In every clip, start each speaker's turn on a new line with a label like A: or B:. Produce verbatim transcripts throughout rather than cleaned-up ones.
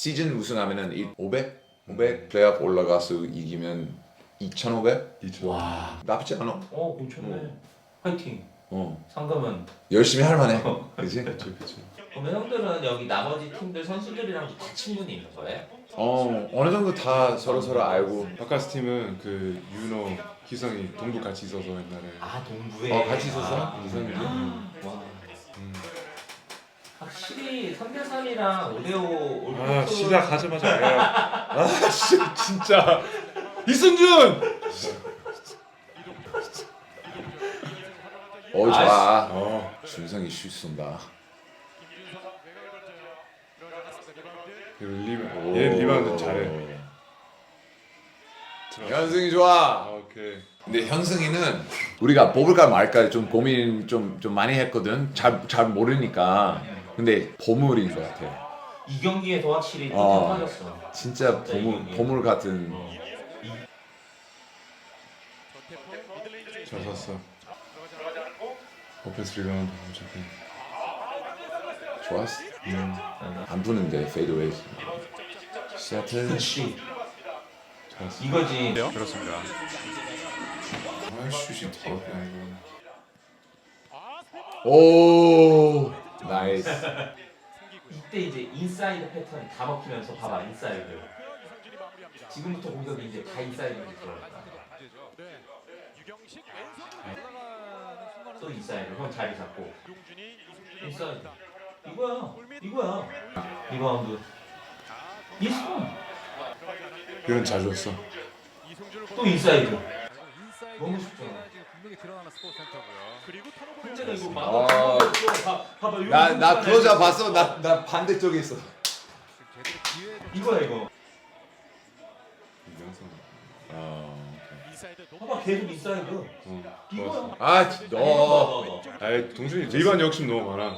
A: 시즌 우승하면은 오백? 오백? 플레이오프 올라가서 이기면 이천오백?
B: 와.
A: 나쁘지 않아.
B: 어 괜찮네. 화이팅.
A: 어.
B: 상금은.
A: 열심히 할 만해. 그치?
B: 그치 그치. 그러면 형들은 여기 나머지 팀들 선수들이랑 다 친분이 있는 거예요?
A: 어 어느 정도 다 서로 서로 알고.
C: 바카스 팀은 그 윤호, 기성이 동부 같이 있어서 옛날에.
B: 아 동부에.
A: 어 같이 있었어?
B: 아,
C: 이성이.
B: 와.
C: 음.
B: 확실히 삼 대 삼이랑 오 대 오 올
C: 아
B: 때
C: 시작하자마자 내가 아 씨, 진짜 이승준.
A: 어 좋아.
C: 어.
A: 준성이 슛 쏜다.
C: 리바. 얘 리바운드 잘해.
A: 현승이 좋아.
C: 아, 오케이.
A: 근데 현승이는 우리가 뽑을까 말까 좀 고민 좀, 좀 많이 했거든. 잘, 잘 모르니까. 근데 보물인 것 같아.
B: 이 경기에서 확실히 좀
A: 어.
B: 빠졌어.
A: 진짜 보물, 보물 같은.
C: 잘 샀어. 오펜스 리바운드 어차피.
A: 좋았어.
C: 음.
A: 안 부는데 페이드웨이. 시애틀.
B: 그렇지.
C: 잘했어.
B: 이거지.
C: 그렇습니다. 아 슛이 더럽게 아니고.
A: 오 나이스.
B: 이때 이제 인사이드 패턴이 다 먹히면서 봐봐 인사이드. 지금부터 공격이 이제 다 인사이드로 들어간다. 또 인사이드. 형 자리 잡고. 인사이드. 이거야. 이거야. 리바운드. 이승.
C: 이건 잘 줬어.
B: 또 인사이드. 너무 쉽잖아.
D: 분명히 드러나는 스포츠 센터고요. 그리고
B: 혼자가 이거
A: 아.
B: 막 봐봐.
A: 나, 나 클로저 봤어. 나, 나 반대쪽에 있어.
D: 제대로 기회 좀
B: 이거야 이거.
C: 이명성.
A: 어.
B: 봐봐 계속 인사이드.
C: 어.
B: 이거야.
C: 좋았어.
A: 아, 너.
B: 너.
C: 아이 동준이 리바운드 욕심 너무 많아.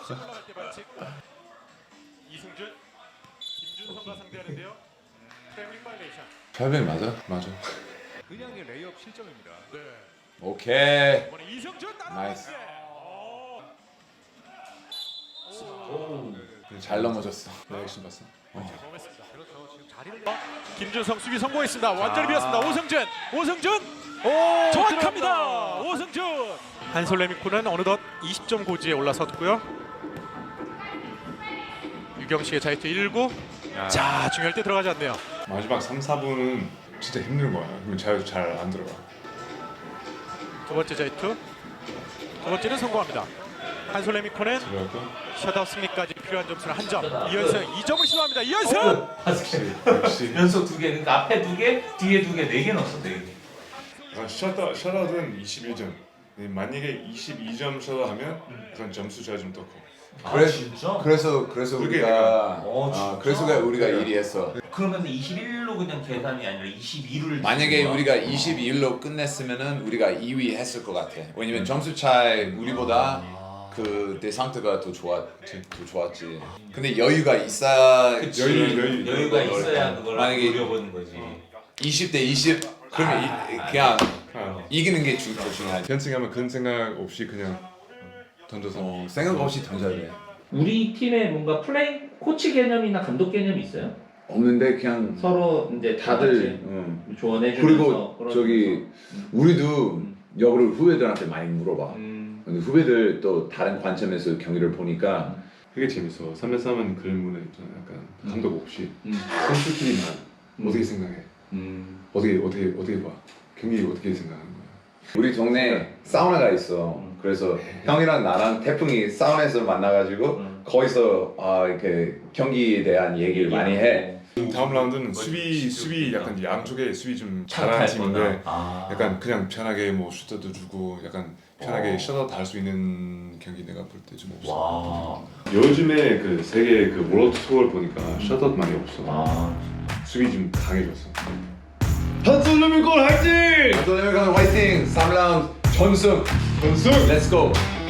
E: 이승준, 김준성과 상대하는데요. 트래블링 바이레이션.
A: 철벽 맞아?
C: 맞아.
D: 그냥의 레이업 실점입니다.
A: 오케이.
E: 이번에 이승준
A: 나이스.
B: 오.
A: 잘 넘어졌어.
C: 나 욕심 봤어.
E: 범했습니다.
D: 그렇죠. 지금 자리를
E: 김준성 수비 성공했습니다. 완전히 비었습니다.
D: 아.
E: 오승준, 오승준, 오 정확합니다. 오승준. 한솔레미코는 어느덧 이십 점 고지에 올라섰고요. 유경식의 자유투 일 구. 자 중요할 때 들어가지 않네요.
C: 마지막 삼, 사 분은 진짜 힘든 거야. 그러면 잘 잘 안 들어가.
E: 두 번째 자유투. 두 번째는 성공합니다. 한솔레미코는
C: 들어가고.
E: 셧아웃 승리까지 필요한 점수는 한 점. 이현승 이 점을 시도합니다. 이현승.
C: 역시 역시.
B: 연속 두 개. 그러니까 앞에 두 개, 뒤에 두 개, 네 개 넣었어 네 개.
C: 아, 셧아웃 셧아웃은 이십일 점. 만약에 이십이 점 셧아웃하면 그건 점수 차이 좀 더 커.
A: 그래,
B: 아 진짜?
A: 그래서 그래서
C: 그게
A: 우리가
C: 내가-
B: 어,
A: 아,
B: 진짜?
A: 그래서 우리가 일 위 했어.
B: 그러면 이십일로 그냥 계산이 아니라 이십이를
A: 만약에 우리가 이십이 일로 끝냈으면은 우리가 이 위 했을 것 같아. 왜냐면 점수 차이 우리보다 그 대상트가 더 좋았지, 더 좋았지. 근데 여유가 있어야
B: 그치.
C: 여유, 여유.
B: 여유가 있어야 그걸
A: 만약에
B: 노려보는 거지.
A: 이십 대 이십 그러면 이, 그냥
C: 아,
A: 이기는 게 주, 더 중요하지.
C: 현승하면 큰 생각 없이 그냥 던져서.
A: 어, 생각 없이 던져야 돼.
B: 우리 팀에 뭔가 플레이 코치 개념이나 감독 개념이 있어요?
A: 없는데 그냥
B: 서로 이제
A: 다들 응.
B: 조언해주면서
A: 그리고
B: 그런-
A: 저기 우리도 역으로 후배들한테 많이 물어봐.
B: 음.
A: 근데 후배들 또 다른 관점에서 경기를 보니까
C: 그게 재밌어. 삼 대 삼은 그런 문화 있잖아. 약간 감독 없이
B: 음.
C: 선수끼리만
B: 음.
C: 어떻게 생각해?
B: 음.
C: 어떻게 어떻게 어떻게 봐? 경기 어떻게 생각하는 거야?
A: 우리 동네에 사우나가 있어. 그래서 형이랑 나랑 태풍이 사우나에서 만나가지고
B: 음.
A: 거기서 아, 이렇게 경기에 대한 얘기를 많이 해.
C: 다음 라운드는 수비 수비 약간 양쪽에 수비 좀 잘하는 팀인데
B: 아.
C: 약간 그냥 편하게 뭐 슈터도 주고 약간 편하게
B: 어.
C: 셔터 할 수 있는 경기 내가 볼 때 좀 없어.
B: 와.
C: 요즘에 그 세계 그 월드 투어를 보니까 셔터 많이 없어.
B: 아.
C: 수비 좀 강해졌어.
A: 한솔루미골 화이팅! 한솔루미골 화이팅! 삼 라운드 전승! 전승! 렛츠고!